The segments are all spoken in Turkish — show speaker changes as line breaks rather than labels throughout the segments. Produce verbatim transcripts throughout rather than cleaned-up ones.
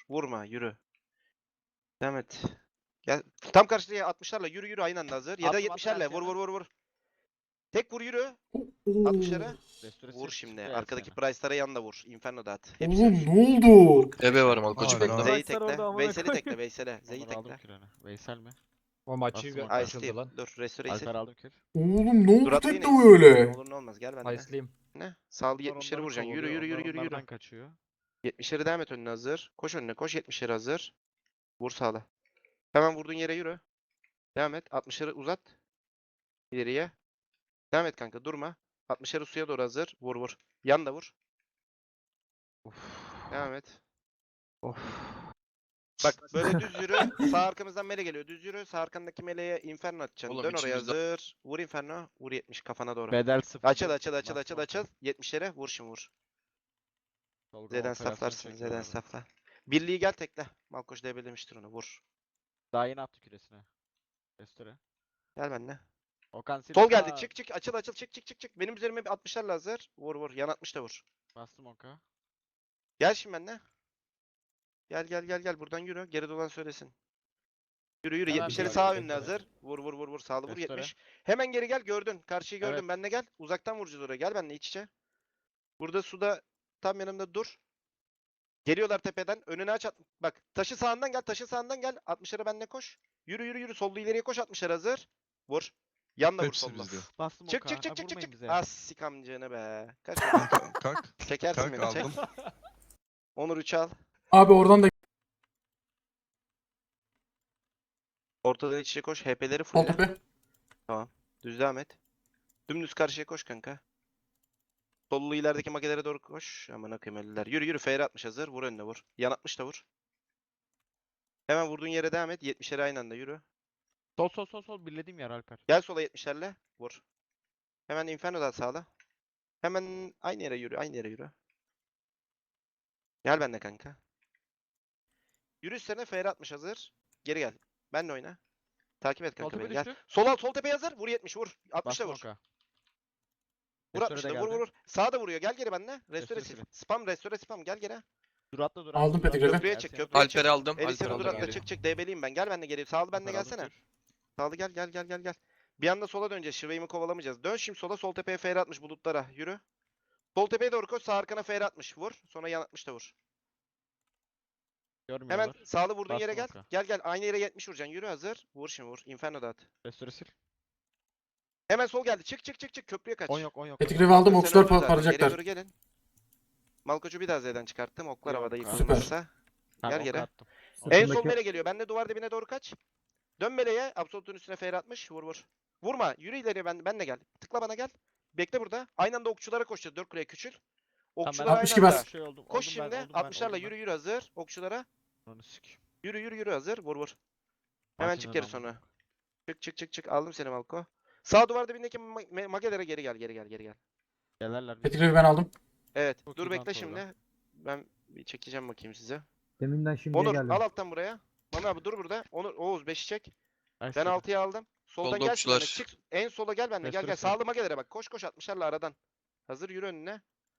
vur. Vurma yürü. Devam et. Gel. Tam karşıya altmışlarla yürü yürü aynı anda hazır. Ya da
Attım, attım
yetmişlerle vur
Erşen'e.
vur vur vur. Tek vur yürü.
Oo.
altmışlara.
Restore
Vur
sil,
şimdi.
çıktı
Arkadaki
Erşen'e.
price'lara yan da vur. Inferno da at. Hepsi
Oğlum
ölsün.
ne oldu?
Vur kırk beşe.
Ebe var Malkoç
Hala.
bende.
Z'yi
Price'lar orada
tekle.
amına
Veysel'i
koyayım.
tekle. Veysel'e. Z'yi
Onları aldım
tekle.
kürene. Veysel mi?
O maçı
Bastım
bir
Okan.
açıldı lan.
Ice'liyim. Dur. Restore sil.
Alper aldım kür.
Oğlum ne
Dur
oldu
atmayın
tekne
Ace.
böyle?
Ne olur ne olmaz. Gel bende.
Ice'liyim.
Ne? Sağlı
Onlar
yetmişleri
onları
vuracaksın. Yürü
kovalıyor,
yürü yürü
onlar
yürü yürü.
onlardan kaçıyor.
yetmişleri devam et önüne hazır. Koş önüne koş. yetmişleri hazır. Vur sağla. Hemen vurduğun yere yürü. Devam et. altmışları uzat. İleriye. Devam et kanka. Durma. altmışları suya doğru hazır. Vur vur. Yan da vur. Devam et. Bak böyle düz yürü. Sağ arkamızdan mele geliyor. Düz yürü. Sağ arkandaki meleğe inferno atacaksın.
Oğlum
Dön oraya
içimizde-
hazır. Vur inferno. Vur yetmiş kafana doğru.
Bedel sıfır.
Açıl açıl açıl açıl açıl. yetmişlere vur şimdi vur. Z'den saflarsın. Z'den safla. Birliği gel tekle. Malkoç debelemiştir onu. Vur.
Daha yeni attı küresine. Restore.
Gel benimle.
Okan sil.
Sol geldi.
Aa,
Çık çık. Açıl açıl. Çık çık çık çık. Benim üzerime bir altmışlarla hazır. Vur vur. Yan altmış da vur.
Bastım Oka.
Gel şimdi benimle. Gel gel gel gel. Buradan yürü. Geri dolan söylesin. Yürü yürü.
Hemen
yetmişleri
bir
sağ
adım
önüne
restore.
hazır. Vur vur vur vur. Sağlı vur
Restore.
yetmiş. Hemen geri gel. Gördün. Karşıyı gördün.
Evet.
Benle gel. Uzaktan vuracağız oraya. Gel benimle iç içe. Burada suda tam yanımda dur. Geliyorlar tepeden. Önüne aç at. Bak taşı sağından gel. Taşı sağından gel. altmışlara benle koş. Yürü yürü yürü. Sollu ileriye koş. altmışlar hazır. Vur. Yan da vur
Hepsi
solla.
bizde.
Bastım
Çık
Oka.
çık çık
Ha,
çık çık
vurmayın
çık.
bize.
Az sikamcığını be. Kaç
Kalk. Kalk.
çekersin
Kalk
beni çek.
aldım.
Onur üç al.
Abi oradan da
Ortada iç içe koş. H P'leri
sol
fulle.
tepe.
Düz devam et. Dümdüz karşıya koş kanka. Sollu ilerideki makelere doğru koş. Aman akıyım ölüler. Yürü yürü. F R atmış hazır. Vur önüne vur. Yan atmış da vur. Hemen vurduğun yere devam et. yetmişlere aynı anda yürü.
Sol sol sol sol birlediğim yer Alper.
Gel sola yetmişlerle. Vur. Hemen Inferno'dan sağla. Hemen aynı yere yürü. Aynı yere yürü. Gel benimle kanka. Yürü üstlerine F R atmış hazır. Geri gel. Benle oyna. Takip et
Sol
kanka
tepe
beni gel.
düştü.
Sol alt sol tepeye hazır. Vur yetmiş vur. altmış da
Bastım
vur.
Oka.
Vur
Restore
altmış
de
da vur
geldi.
vur vur. Sağa da vuruyor. Gel geri benimle. Restore
Restore
sil.
sil.
Spam restore spam. Gel geri.
Dur atla dur.
Aldım
atla, dur,
Petikleri.
atla.
Köprüye çık,
Ersen'e
köprüye
dur.
çık.
Alper'i aldım.
Elisa'nı
Alper'i
dur
aldım
atla
geri.
çık çık. Debeliyim ben. Gel benimle geri. Sağlı benimle
Alper aldım
gelsene.
kür.
Sağlı gel gel gel gel gel. Bir anda sola döneceğiz. Şiveyimi kovalamayacağız. Dön şimdi sola. Sol tepeye F R atmış bulutlara. Yürü. Sol tepeye doğru koş. Sağ arkana F R atmış. Vur. Sonra yan atmış da vur. Hemen
Görmüyorlar.
sağlı vurduğun yere gel.
Bastım oka.
Gel gel. Aynı yere yetmiş vuracaksın. Yürü hazır. Vur şimdi vur. Inferno da at.
Restore sil.
Hemen sol geldi. Çık çık çık çık. Köprüye kaç.
on yok on yok.
Petikrevi aldım.
Sen
Okçular
öldün zaten. Geriye
parlayacaklar.
doğru gelin. Malkoç'u bir daha Z'den çıkarttım. Oklar
Yok,
havada
süper.
yıkılmazsa.
Ben
Gel
oka
geri.
attım.
En sol mele geliyor. Ben de duvar dibine doğru kaç. Dön meleğe. Absolut'un üstüne F R atmış. Vur vur. Vurma. Yürü ileriye ben, ben de gel. Tıkla bana gel. Bekle burada. Aynı anda okçulara koşacağız. Dört kuleye küçül. Okçulara
ben
aynı
altmış gibi
anda.
az.
Şey oldum.
Koş
oldum ben,
şimdi.
oldum ben,
altmışlarla
oldum
yürü
ben.
yürü hazır. Okçulara.
Onu sik.
Yürü yürü yürü hazır. Vur vur. Hemen çık geri sonra. Çık çık çık çık. Aldım seni Malko. Sağ duvar dibindeki ma- ma- magelere geri gel geri gel geri gel.
Gelerler. bize.
Petikrevi ben aldım.
Evet.
Çok
Dur
iyi
bekle
kanka
şimdi.
orada.
Ben bir çekeceğim bakayım size.
Deminden şimdiye
Onur
geldim.
al alttan buraya. Mami abi dur burada. Onur Oğuz beşi çek. Ben
Ersen'e.
altıyı aldım. Soldan
Solda
gel şimdi.
okçular.
Çık. En sola gel benimle. Gel gel.
Restore sil.
Sağlı magelere bak. Koş koş altmışlarla aradan. Hazır yürü önüne.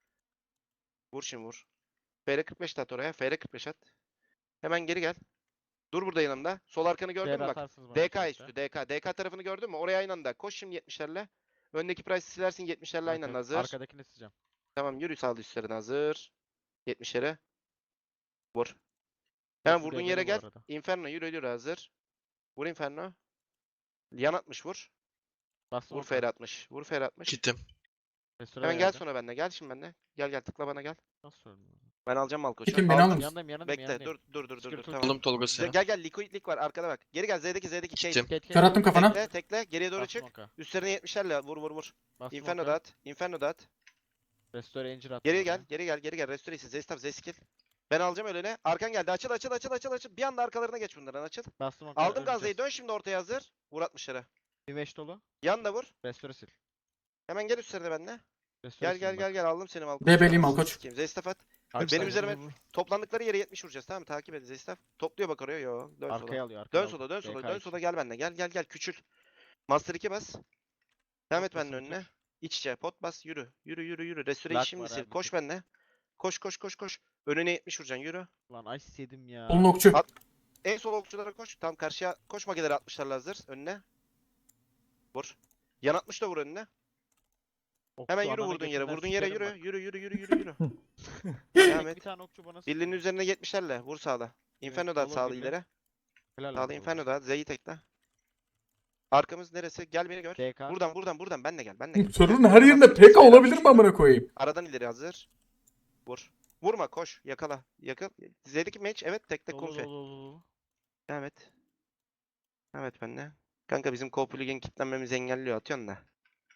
Vur şimdi vur. F R kırk beş de at oraya. F R kırk beş at. Hemen geri gel. Dur burada yanımda. Sol arkanı gördün mü
Değer
bak.
atarsınız bana
D K
müsaatte.
üstü D K. D K tarafını gördün mü? Oraya aynı anda. Koş şimdi yetmişlerle. Öndeki price'ı silersin yetmişlerle aynı anda
Evet,
hazır.
Arkadakini sileceğim.
Tamam yürü sağlı üstlerine hazır. yetmişlere. Vur.
Hepsi
Hemen vurduğun
debeli
yere
bu
gel.
arada.
Inferno yürü yürü hazır. Vur Inferno. Yan atmış vur.
Bastım
Vur
oka.
F R atmış. Vur F R atmış.
Gittim.
Restore
Hemen gel
geldi.
sonra benimle. Gel şimdi benimle. Gel gel tıkla bana gel.
Nasıl öldü?
Ben alacağım Malkoç'u.
Çekin, beni
Aldım.
alır mısın?
Yanındayım yanındayım
Bekle
yanındayım.
dur dur dur dur dur
Skirtle
tamam.
Aldım Tolga
Ze-
seni.
Gel gel liquid lik var arkada bak. Geri gel Z'deki Z'deki Kate.
Gittim.
Ket, ket,
Kör attım
ket.
kafana.
Tekle tekle geriye doğru
Bastım
çık.
oka.
Üstlerine yetmişlerle vur vur vur.
Bastım
Inferno
oka.
da at. Inferno da at.
Restore incir attım.
Geri
oraya.
gel geri gel geri gel. Restore ise Zestaf Zeskil. Ben alacağım ölene. Arkan geldi. Açıl açıl açıl açıl açıl. Bir anda arkalarına geç bunların açıl.
Bastım oka.
Aldım
öleceğiz.
Gazze'yi. Dön şimdi ortaya hazır. Vur altmışlara.
Bir meş dolu.
Yan da vur.
Restore sil.
Hemen gel üstlerine benimle.
Restore
Gel gel
sil
gel
bak.
gel aldım seni Malkoç.
Debeliyim
Anasını
Malkoç.
sikeyim. Zestaf at.
Alper,
benim
vur,
üzerime-
vur, vur.
Toplandıkları yere yetmiş vuracağız tamam mı? Takip et Zestaf. Topluyor bak oraya. Yo. Dön sola.
Arkaya alıyor. Arkaya
Dön
alıyor.
sola dön sola
D K
dön
için.
sola gel benimle. Gel gel gel küçül. Master iki bas. Devam et
Potbas'ı
benimle önüne.
bitir.
İç içe pot bas yürü. Yürü yürü yürü. Restore
Lag
şimdi
var
sil.
abi,
Koş
bitir.
benimle. Koş koş koş koş. Önüne yetmiş vuracaksın yürü.
Lan ice yedim ya.
Solun okçu.
At. En sol okçulara koş. Tam karşıya koş, mageleri atmışlarla hazır. Önüne. Vur. Yan atmış da vur önüne.
Okçu
Hemen yürü
ananı
vurduğun yere.
götünden
Vurduğun yere
sikerim
yürü.
bak.
Yürü yürü yürü yürü yürü.
Tek
Devam et.
bir tane okçu bana
Birliğinin
sıkıyor.
üzerine yetmişlerle. Vur sağla. Inferno da at
dolu
sağlı
birli.
ileri.
Helal
Sağlı
lan
Inferno
oğlum.
da at. Z'yi tekle. Arkamız neresi? Gel beni gör.
D K.
Buradan buradan buradan. Benle gel. Benle gel.
Sorunun
Gel.
her yerinde
Bas,
P K
Z'ye
olabilir
atmış
mi amına
yürü.
koyayım?
Aradan ileri hazır. Vur. Vurma koş. Yakala. Yakal. Z'deki match. Evet tekle
Dolu
konfe.
dolu dolu dolu.
Evet. Evet benle. Kanka bizim co ligin kilitlenmemizi engelliyor. Atıyorsun da.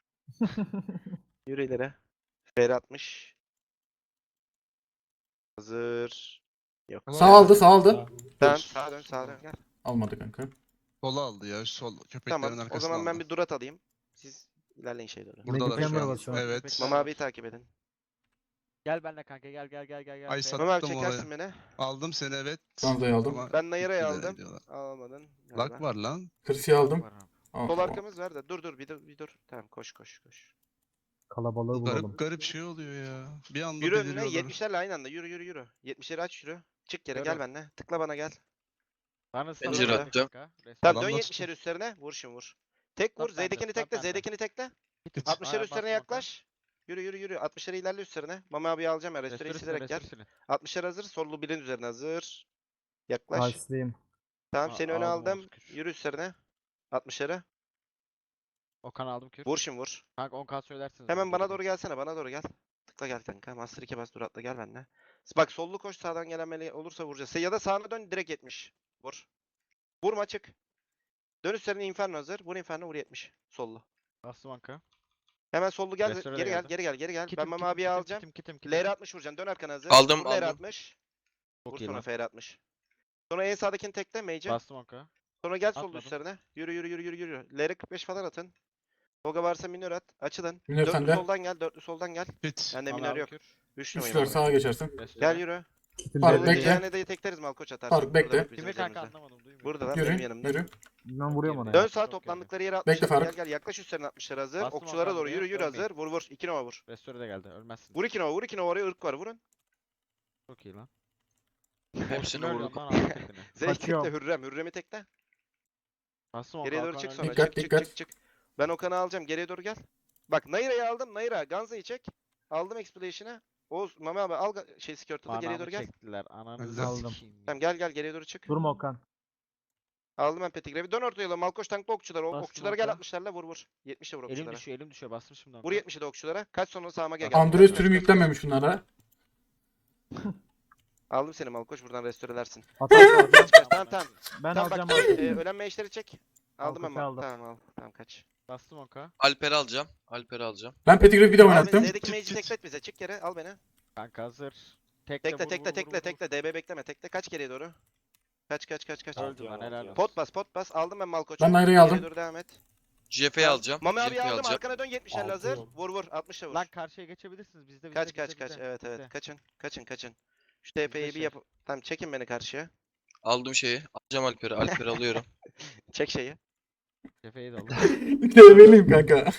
Yürü ileri. Fer atmış. Hazır. Yok.
Sağ aldı sağ aldı.
Tamam sağa dön sağa dön gel.
Almadı kanka.
Sola aldı ya. Sol köpeklerin
Tamam o
arkasına
zaman ben
aldı.
bir durat alayım. Siz ilerleyin şey doğru.
Buradalar şu
Medikleyen
an.
var şu an.
Evet.
Köpekler
Mama
var.
abiyi takip edin.
Gel benimle kanka gel gel gel gel gel.
Ay
B.
sat-
Mama abi
Attım
çekersin beni.
Aldım seni evet.
Ganza'yı aldım.
Ama
Ben Nayra'yı
ikiler
aldım.
ediyorlar.
Almadın.
Lag
galiba.
var lan.
Kırsi'yi aldım.
Var abi.
Aa,
Sol
tamam.
arkamız var da dur dur bir dur bir dur. Tamam koş koş koş.
Kalabalığı bulalım.
Garip garip şey oluyor ya. Bir anda
Yürü önüne
beliriyorlar.
yetmişlerle aynı anda yürü yürü yürü. yetmişleri aç yürü. Çık yere
Gör
gel
o.
benimle. Tıkla bana gel.
Bana
Zincir
sana
attım.
kanka. Restore.
Tamam dön
Adamlar
yetmişleri üstlerine. Vur şimdi vur. Tek vur.
Stop bende,
Z'dekini
stop
tekle.
bende.
Z'dekini tekle.
Git.
altmışları
Aa,
üstlerine
bastım kanka.
yaklaş. Yürü yürü yürü. altmışları ilerle üstlerine. Mama abi alacağım ya. Restore'yi
Restore
silerek gel.
restore.
altmışlar hazır. Sollu birin üzerine hazır. Yaklaş.
Ice'liyim.
Tamam
Aa,
seni öne
aldım
aldım.
Oğuz kür.
Yürü üstlerine. altmışları.
Okan aldım kür.
Vur şimdi vur.
Kanka on K söylersiniz.
Hemen bana doğru gelsene. Bana doğru gel. Tıkla gel kanka. Master iki bas dur atla gel benimle. Bak sollu koş, sağdan gelen meleği olursa vuracağız. Ya da sağına dön direkt yetmiş. Vur. Vurma çık. Dön üstlerine Inferno hazır. Vur Inferno vur yetmiş. Sollu.
Bastım Anka.
Hemen sollu gel.
Restore de
Geri gel,
geldim.
geri gel, geri gel.
Kitim,
Ben Mama
kitim,
abiyi
kitim,
alacağım.
Kitim kitim kitim.
L R altmış vuracaksın. Dön arkana hazır.
Aldım,
Vur L R
aldım.
altmış. Vur
Çok iyi
sonra
lan.
F R altmış. Sonra en sağdakini tekle Mage'e.
Bastım Anka.
Sonra gel sollu
Atmadım.
üstlerine. Yürü yürü yürü yürü yürü. L R kırk beş falan atın. Toga varsa minör at. Açılın.
Minör
Dörtlü
sende.
soldan gel. Dörtlü soldan gel.
Bit.
Bende
Bana
minör
aldım
yok.
kür.
Üç
Üç
numarayım
var sağa geçersin.
Restore.
Gel yürü.
Kitim
Faruk,
Sollu
bekle.
diyeceğine de tekleriz Malkoç atarsın.
Faruk,
Burada
bekle.
bak bizim
Kimi kanka
üzerimizde.
anlamadım duymuyorum.
Burada lan
Yürü,
benim yanımda.
yürü.
Ben vuruyorum ona
Dön
ya.
sağa
Çok
toplandıkları yere
Bekle
altmışlar.
Faruk.
Gel gel yaklaş üstlerine altmışlar hazır.
Bastım
Okçulara
Hakan
doğru
buraya,
yürü yürü
ölmeyin.
hazır. Vur vur. iki nova vur.
Restore de geldi. Ölmezsin.
Vur iki nova vur iki nova oraya ırk var vurun.
Çok iyi lan.
Hepsini
Ölüyorum
vurduk.
lan, aldım tekini.
Zeyt tekle
Kaçıyorum.
Hürrem. Hürrem'i tekle.
Bastım
Geriye
Okan,
doğru
Okan
çık
öldü.
sonra.
Dikkat,
çık çık
dikkat.
çık çık. Ben Okan'ı alacağım. Geriye doğru gel. Bak Nayra'yı aldım. Nayra. Ganza'yı çek. Aldım Exploration'ı. Oğuz Mami abi al ga- şey skirtle'ı geriye
Anamı
doğru gel.
çektiler. Ananızı
Aldım.
sikeyim ya.
Tamam gel gel geriye doğru çık.
Durma Okan.
Aldım ben Petigrevi. Dön ortaya yola. Malkoç tanklı okçular. O
Bastım
okçulara gel
Okan.
altmışlarla vur vur. yetmişe vur
Elim
okçulara.
düşüyor elim düşüyor. Bastım şimdi
Vur
Okan.
yetmişe de okçulara. Kaç sonra sağıma gel.
Andres
Kaç,
türüm
kaç, kaç.
yüklenmemiş bunlara.
Aldım seni Malkoç buradan restorelersin.
Hata alacağım.
Kaç kaç tamam tamam.
Ben
Tamam
alacağım
bak
abi.
e, ölen meşleri çek. Aldım ben
Malkoç'u
mal.
aldım.
Tamam al. Tamam kaç.
Bastım Okan.
Alper'i alacağım. Alper'i alacağım.
Ben Pettigrew bir de
Al beni.
oynattım.
Z'deki
Çık,
mage'i
çık.
teklet bize. Çık yere al beni.
Kanka hazır. Tekle
Tekle
vur,
tekle
vur,
tekle
vur, vur.
tekle. D B bekleme. Tekle kaç geriye doğru. Kaç kaç kaç kaç.
Öldü lan helal olsun.
Pot bas pot bas. Aldım ben Malkoç'u.
Ben Nayra'yı
Geriye
aldım.
doğru devam et.
G F'yi
Tamam.
alacağım.
Mami abi
G F'yi
aldım.
alacağım.
Arkana dön yetmişlerle
Altı
hazır.
oldu.
Vur vur. altmışla vur.
Lan karşıya geçebilirsiniz. Bizde bizde
Kaç
bizde,
kaç kaç.
bizde.
Evet
Bizde.
evet. Kaçın. Kaçın kaçın. Şu T P'yi bir
şey.
yap. Tamam çekin beni karşıya.
Aldım şeyi. Alacağım Alper'i. Alper'i alıyorum.
Çek şeyi.
Cefeyi de aldım.
Develiyim kanka.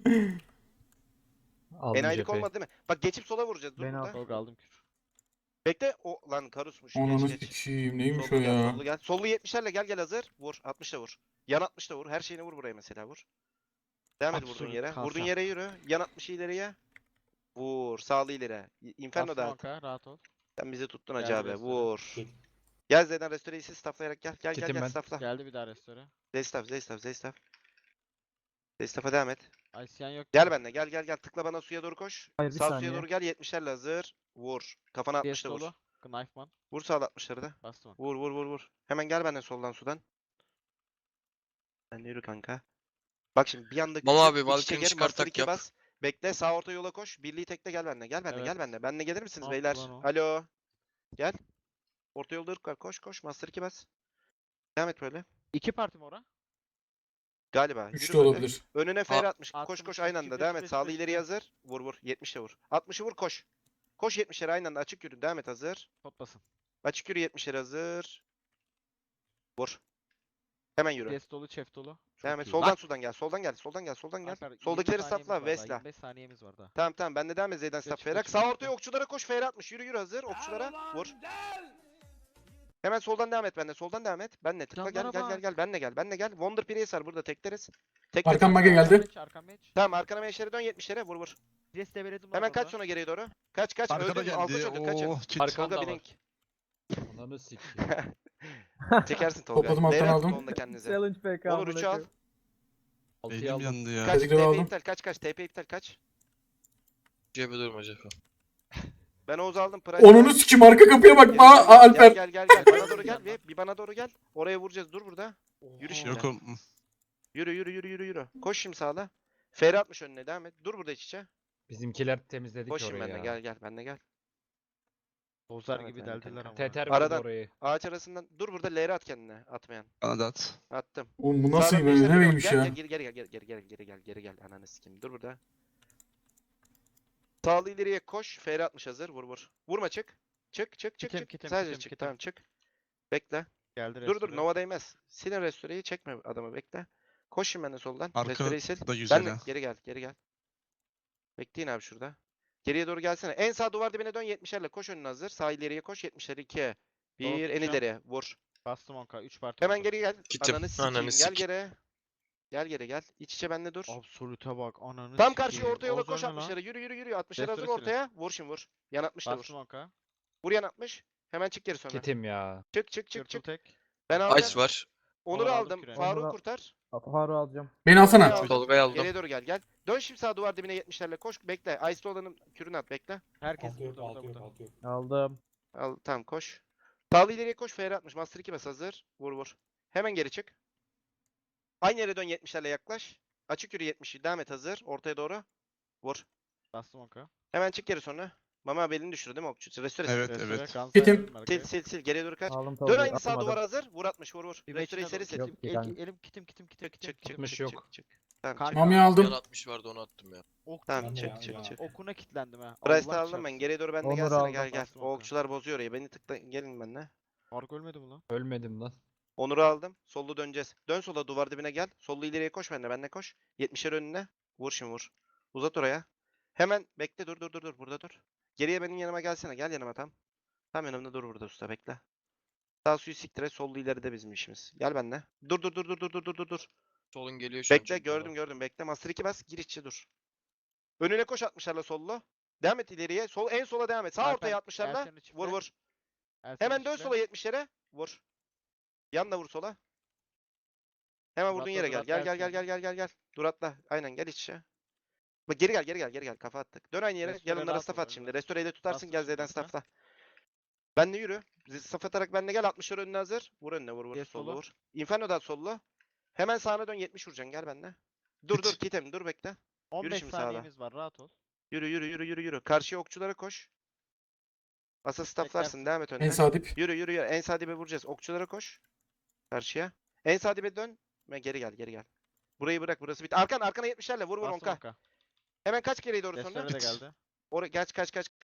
Aldım
Enayilik
cepheyi.
olmadı değil mi? Bak geçip sola vuracağız. Dur
Beni
burada.
al.
Tolga aldım kür.
Bekle. O lan karusmuş.
Ananı
Geç geç.
sikiyim neymiş o
Sollu gel,
ya.
sollu gel. Sollu yetmişlerle gel gel hazır. Vur. altmışla vur. Yan altmışla vur. Her şeyini vur buraya mesela vur. Devam et vurduğun
Absolute
yere.
kalkan.
Vurduğun yere yürü. Yan altmışı ileriye. Vur. Sağlı ileri. Inferno
Bastım
da at.
Okan rahat ol.
Sen bizi tuttun
Geldi
hacı abi.
restore.
Vur. Gel Z'den restoreyi sil stafflayarak gel. Gel gel
Kitim
gel
ben.
staffla.
Geldi bir daha restore.
Zeystaff Zeystaff Zeystaff. Zeystaff'a devam et.
Aysiyan yok.
Gel benimle gel gel gel. Tıkla bana suya doğru koş.
Hayır, bir
Sağ suya
saniye.
doğru gel. yetmişlerle hazır. Vur. Kafana
P S
altmışla vur.
dolu. Knifeman.
Vur sağ altmışları da.
Bastım.
Vur vur vur vur. Hemen gel benden soldan sudan. Sen de yürü kanka. Bak şimdi bir anda
Mama
küçül,
abi,
iç içe
Valkyrie'ni
gir,
çıkar,
master
tak
iki
yap.
bas. Bekle sağ orta yola koş. Birliği tekle gel benimle. Gel benimle
Evet.
gel benimle. Benimle gelir misiniz
Ne
beyler?
yaptı lan o?
Alo. Gel. Orta yolda ırk var. Koş koş. Master iki bas. Devam et böyle.
İki parti mi ora?
Galiba.
Üç
Yürü
de
böyle.
olabilir.
Önüne fer
A-
atmış. Koş
attım,
koş
çift,
aynı
çift,
anda. Devam et.
çift,
Sağlı
çift,
ileri
çift.
hazır. Vur vur. yetmişe vur. altmışı vur koş. Koş yetmişlere aynı anda. Açık yürü. Devam et hazır.
Pot basın.
Açık yürü yetmişlere hazır. Vur. Hemen yürü.
P S dolu, chef dolu. Çok
Devam et.
iyi.
Soldan
Lan!
sudan gel. Soldan gel. Soldan gel. Soldan gel.
Alper, yirmi
Soldakileri
saniyemiz
stopla.
var daha,
Vesla.
yirmi beş saniyemiz var daha.
Tamam tamam. Ben de devam et. Z'den stop
Geç,
Ferak.
geç,
Sağ
geç.
ortaya okçulara koş. F R atmış. Yürü yürü hazır. Okçulara vur. Hemen soldan devam et benle. Soldan devam et. Benle tıkla gel
Canlara
gel gel
bak.
gel. Benle gel. Benle gel. Wonder Priest var burada tekleriz. Tek
Arkam
tek-
mage geldi.
Arkam meç, arkam meç.
Tamam arkana meşlere dön yetmişlere vur vur.
Pres develedim lan
Hemen kaç
orada.
sonra geriye doğru. Kaç kaç.
Arkada
Öldün mü? Alkoş
geldi.
öldün. Kaçın.
Oo, kit.
Arka-
Tolga
Arkanda
Blink.
Ananı sikeyim.
Çekersin Tolga.
Topladım, alttan
Leyla
aldım.
tutun onda kendinize.
Challenge P K.
Onur üçü al.
Altıyı
Elim
aldım.
yandı ya.
Kaç
Teşekkür
T P
aldım.
iptal kaç kaç T P iptal kaç.
C H P durma C H P.
Ben Oğuz aldım. Price
Onunu sikim arka kapıya bak. Aa, aa, Alper.
Gel gel gel gel. Bana doğru gel bir. Bir bana doğru gel. Oraya vuracağız. Dur burada. Yürü şimdi.
Yokum.
Yürü yürü yürü yürü yürü. Koş şimdi sağla. F R atmış önüne devam et. Dur burada iç içe.
Bizimkiler temizledik
Koş şimdi
orayı
benimle
ya.
gel gel benimle gel.
Bozar
Evet,
gibi
evet,
deldiler
evet.
ama.
Teter
Aradan-
vurdu orayı.
Ağaç arasından dur burada L R at kendine atmayan.
Bana da at.
Attım.
Oğlum bu nasıl
Sağdan
böyle
beşler
ne
doğru.
neymiş
Gel,
ya?
Gel geri geri gel geri geri geri geri gel geri gel ananı sikeyim. Dur burada. Sağlı ileriye koş. F R atmış hazır. Vur vur. Vurma çık. Çık çık çık
Kitim,
çık.
kitim,
Sadece
kitim,
çık.
kitim.
Tamam çık. Bekle.
Geldi
Dur dur
restore.
Nova değmez. Silin restoreyi çekme adamı bekle. Koş şimdi benimle soldan.
Arka
Restoreyi sil.
da güzel
Ben de
ha.
geri gel geri gel. Bekleyin abi şurada. Geriye doğru gelsene. En sağ duvar dibine dön yetmişlerle koş önüne hazır. Sağ ileriye koş yetmişler ikiye. Bir en
tutacağım.
ileriye vur.
Bastım onka. üç parti.
Hemen
vurdum.
geri gel.
Gittim.
Ananı sikeyim.
Ananı
Gel
sik.
geri. Gel geri gel. İç içe benle dur.
Absolute bak ananı
Tam karşıya
sikeyim.
orta yola
Oğuz
koş
ölme lan.
altmışlara. Yürü yürü yürü. altmışlara hazır
Restore
ortaya. Vur şimdi vur. Yan altmış da vur.
Bastım onka.
Vur yan altmış. Hemen çık geri sonra.
Kitim ya.
Çık çık çık
Turtle
çık.
tek.
Ben aldım.
Ice var.
Onur'u
Onur aldım
aldım.
küreği.
Faruk'u
Onur'u-
kurtar.
Faruk'u alacağım.
Beni alsana.
Aldım.
Tolga'yı aldım.
Geriye doğru gel gel. Dön şimdi sağ duvar dibine yetmişlerle koş. Bekle. Ice'lı olanın kürünü at bekle.
Herkes burada burada burada.
Aldım.
Al tamam koş. Sağlı ileriye koş. F R atmış. Master iki bas hazır. Vur vur. Hemen geri çık. Aynı yere dön yetmişlerle yaklaş. Açık yürü yetmişi. Devam et hazır. Ortaya doğru. Vur.
Bastım onka.
Hemen çık geri sonra. Mama belini düşürdü değil mi okçu? Restore
Evet,
sil.
Restore,
evet.
Guns
Kitim.
verdim arkaya.
Sil sil sil. Geriye doğru kaç.
Aldım
Dön
tabii.
aynı sağ
atamadım.
duvara hazır. Vur atmış vur vur.
Bir
Restore'yi
beşine
seri sil.
doğru
Yok,
kitim.
bir tane.
El- Elim kitim kitim kitim
Çık
kitim.
çık çık
Tutmuş
çık
yok.
çık çık. Tamam
Kanka.
çık.
Mami
Yan
aldım.
altmış vardı onu attım ya.
Ok
Tamam
tuttum.
çık çık çık.
Okuna kilitlendim ha.
Price'ı
Allah
aldım ben.
çarpsın.
Geriye doğru benimle
Onur
gelsene
aldım,
gel gel.
bastım
O
onu.
okçular bozuyor orayı. Beni tıkla gelin benimle.
Faruk ölmedi mi lan?
Ölmedim lan.
Onur'u aldım. Sollu döneceğiz. Dön sola duvar dibine gel. Sollu ileriye koş benimle. Benimle koş. yetmişer önüne. Vur şimdi vur. Uzat oraya. Hemen bekle dur dur dur dur. Burada dur. Geriye benim yanıma gelsene. Gel yanıma tam. Tam yanımda dur burada usta bekle. Sağ suyu siktire. Sollu ileride bizim işimiz. Gel benimle. Dur dur dur dur dur dur dur dur dur.
Solun geliyor şu an
Bekle
çünkü
gördüm
bana.
gördüm. Bekle. Master iki bas. Gir içe dur. Önüne koş atmışlarla sollu. Devam et ileriye. Sol en sola devam et. Sağ
Alper,
ortaya atmışlarla.
Ersen'i çiftle.
Vur vur.
Ersen'i
Hemen dön
çiftle.
sola yetmişlere. Vur. Yan da vur sola. Hemen vurduğun
Duratla,
yere gel. Gel
duratla
gel gel
Ersen'i.
gel gel gel gel. Dur atla. Aynen gel iç içe. Bak geri gel geri gel geri gel. Kafa attık. Dön aynı yere.
Restore
Yanımlara
rahat
staff
ol,
at şimdi.
önüne.
Restore'yi de tutarsın.
Bastım
Gel
şimdi
Z'den
üstüne.
staffla. Ben de yürü. Staff atarak benle gel. altmışlar önüne hazır. Vur önüne vur vur.
Yes,
Sollu
sola.
vur. Inferno da at sollu. Hemen sağına dön yetmiş vuracaksın. Gel benle. Dur
Git.
dur kitem dur bekle.
on beş
şimdi sağda.
saniyemiz var rahat ol.
Yürü yürü yürü yürü yürü. Karşıya okçulara koş. Asa stafflarsın.
Beklersin.
Devam et önüne.
En sağ dip.
Yürü yürü yürü. En sağ dibe vuracağız. Okçulara koş. Karşıya. En sağ dibe dön. Ve geri gel geri gel. Burayı bırak burası bit. Arkan arkana yetmişlerle vur vur
Bastım
onka.
onka.
Hemen kaç geriye doğru sonra.
Restore de geldi.
Oraya geç kaç kaç